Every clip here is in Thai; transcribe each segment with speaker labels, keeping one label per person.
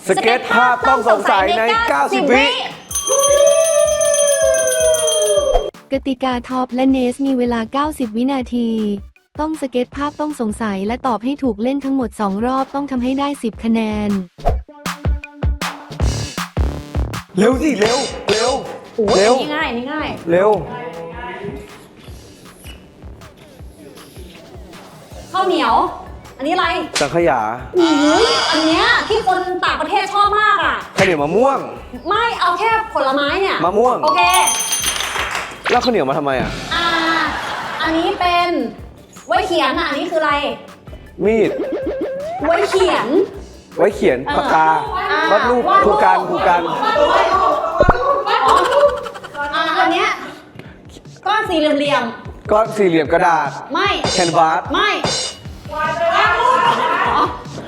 Speaker 1: สเก็ตภาพต้องสงสัยใน 90 วิ
Speaker 2: กติกาท็อปและเนสมีเวลา 90 วินาที ต้องสเก็ตภาพต้องสงสัยและตอบให้ถูกเล่นทั้งหมด 2 รอบต้องทำให้ได้ 10 คะแนน
Speaker 1: เร็วสิเร็วเร็ว
Speaker 3: เร็วนี่ง่ายนี่ง่าย
Speaker 1: เร็ว
Speaker 3: ข้าวเหนียว อันนี้อะไร
Speaker 1: สังขยา
Speaker 3: อันเนี้ยที่คนต่างประเทศชอบมากอ่ะ
Speaker 1: ข้าวเหนียวมะม่วง
Speaker 3: ไม่เอาแค่ผลไม้เนี่ย
Speaker 1: มะม่วง
Speaker 3: โอเค
Speaker 1: แล้วข้าวเหนียวมาทำไมอ่ะ
Speaker 3: อันนี้เป็นไว้เขียนอ่ะอันนี้คืออะไร
Speaker 1: มีด
Speaker 3: ไว้เขียน
Speaker 1: ไว้เขียนปากกา วาดรูปผูกกัน
Speaker 3: อ๋ออันเนี้ยก้อนสี่เหลี่ยม
Speaker 1: ก้อนสี่เหลี่ยมกระดาษ
Speaker 3: ไม่
Speaker 1: แคนวาส
Speaker 3: ไม่อ๋อ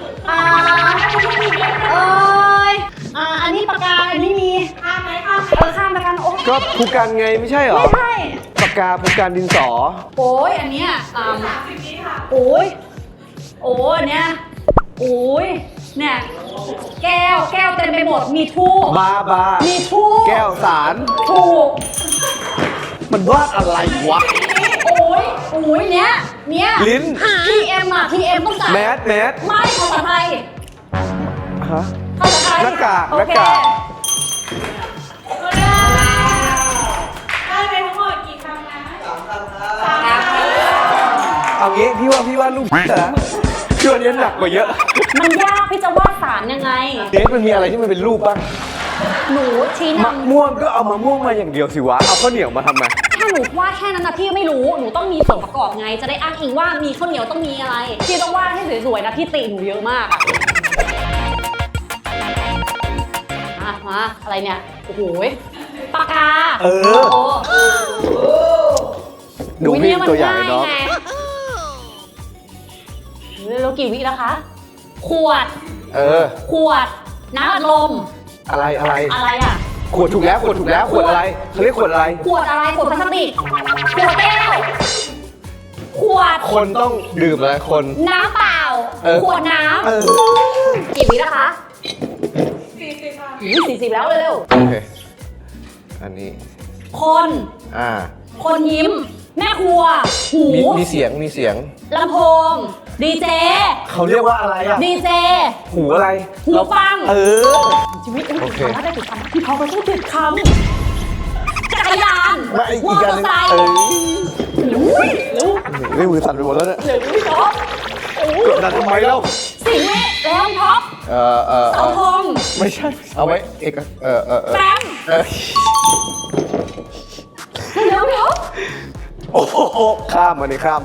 Speaker 3: เอ้ยอันนี้ปากกาอันนี้มีข้ามไหมข้ามแล้วกันโอ้ย
Speaker 1: ก็ผูกกันไงไม่ใช่เหรอ
Speaker 3: ไม่ใช่
Speaker 1: ปากกาผูกกันดินสอ
Speaker 3: โอ้ยอันเนี้ยโอ้ยอันเนี้ยโอ้ยเนี่ยแก้วเต็มไปหมดมีทูบ
Speaker 1: บา
Speaker 3: มีทูบ
Speaker 1: แก้วสาร
Speaker 3: ถูก
Speaker 1: มันวาดอะไรวะ
Speaker 3: โอ้ยเนี้ย
Speaker 1: ลิ้น
Speaker 3: PM อ่ะ PM ต้องจ่าย
Speaker 1: แมส
Speaker 3: ไม่ภาษาไทย
Speaker 1: ฮะ
Speaker 3: ภาษาไทย
Speaker 1: หน้ากาก
Speaker 3: โอเค
Speaker 4: ได้ไปทั้งหมดกี่คำนะ
Speaker 1: เอางี้พี่ว่ารูปนะพี่ว่าเนี้ยหนักกว่าเยอะ
Speaker 3: มันยากพี่จะวาดสารยังไง
Speaker 1: เดทมันมีอะไรที่มันเป็นรูปบ้าง
Speaker 3: หนูชี้
Speaker 1: มะ
Speaker 3: นำ
Speaker 1: ม่วงก็เอามะม่วงมาอย่างเดียวสิวะ เอาข้าวเหนียวมาทำไม
Speaker 3: ถ้าหนูวาดแค่นั้นนะพี่ไม่รู้ หนูต้องมีส่วนประกอบไง จะได้อ้างอิงว่ามีข้าวเหนียวต้องมีอะไร พี่ต้องวาดให้สวยๆนะพี่ติหนูเยอะมากอะมาอะไรเนี่ย โอ้โหปากกา
Speaker 1: เออ
Speaker 3: โอ้
Speaker 1: ดูพี่ตัวใหญ่เนาะ
Speaker 3: แล้วกี่วิแล้วคะ ขวด
Speaker 1: เออ
Speaker 3: ขวด น้ำอัดลม
Speaker 1: อะไร
Speaker 3: อะไรอ่ะ
Speaker 1: ขวดถูกแล้วขวดอะไรเขาเรียกขวดอะไร
Speaker 3: ขวดอะไร ขวดพลาสติก ขวดแก้ว ขวด
Speaker 1: คนต้องดื่มอะไรคน
Speaker 3: น้ำเปล่า
Speaker 1: เออ
Speaker 3: ขวดน้
Speaker 1: เออ
Speaker 3: ำกี่วิแล้วคะ
Speaker 4: 40 ค่ะ
Speaker 3: 40แล้วเร็ว
Speaker 1: โอเค อันนี้
Speaker 3: ๆคน คนยิ้ม แม่ครัว หู
Speaker 1: มีเสียง
Speaker 3: ลำโพง ดีเจ
Speaker 1: เขาเรียกว่าอะไรอ่ะ
Speaker 3: ดีเจ
Speaker 1: หูอะไร
Speaker 3: หูฟัง
Speaker 1: เออ
Speaker 3: ชีวิต
Speaker 1: โอเค
Speaker 3: ถ้าได้ติดคำพี่เขาไปพูดติดคำจักรยาน
Speaker 1: ไม่อี
Speaker 3: มอก เต
Speaker 1: อั
Speaker 3: อน
Speaker 1: หนึ
Speaker 3: ร์
Speaker 1: ง
Speaker 3: ไซค์
Speaker 1: เออ
Speaker 3: เร็ว
Speaker 1: ไม่มือสั่นไปหมดแล้วเนี่ย
Speaker 3: เร็วพี่ท็อป
Speaker 1: กดดันทำไมเล่า
Speaker 3: สิงห์แล้วท็อปเสาธง
Speaker 1: ไม่ใช่ เอาไว้เอก
Speaker 3: แฟม เร็ว
Speaker 1: โอ้โหข้ามมาในข้าม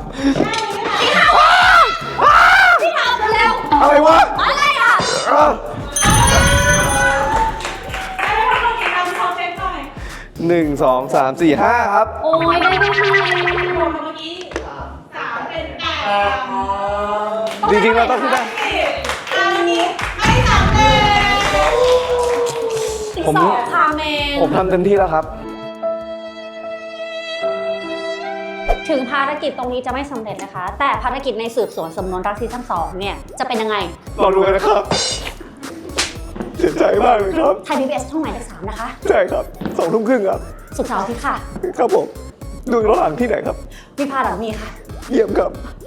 Speaker 3: พี่ท็อปเร็ว
Speaker 1: อะไรวะ
Speaker 4: ไ
Speaker 3: อะไรอ่ะ
Speaker 4: ด้ไปทั้งหมดกี่คำขอเช็คหน่อย
Speaker 1: 1 2 3 4 5 ครับ
Speaker 3: โอ้ยได้ไม่ทัน
Speaker 4: รวมเมื่อกี้3เป็น8
Speaker 1: จริงๆเราต้องขึ้นได้
Speaker 4: อันนี้ให้3เลย
Speaker 3: อีก
Speaker 1: ผม
Speaker 3: 2คาเมน
Speaker 1: ผมทำเต็มที่แล้วครับ
Speaker 3: ถึงภารกิจตรงนี้จะไม่สำเร็จนะคะ แต่ภารกิจในสืบสวนสำนวนรักซีซั่น2เนี่ย จะเป็นยังไง
Speaker 1: รอดูกันนะครับ เสียใจมากเลยครับ
Speaker 3: ไทย PBS ช่องหมายเลข3นะคะ
Speaker 1: ใช่ครับ2 ทุ่มครึ่งครับ
Speaker 3: สุขเสาร์อาทิตย์ค่ะ
Speaker 1: ครับผม ดูย้อนหลังที่ไหนครับ
Speaker 3: วิภาหลังมีค่ะ
Speaker 1: เยี่ยมครับ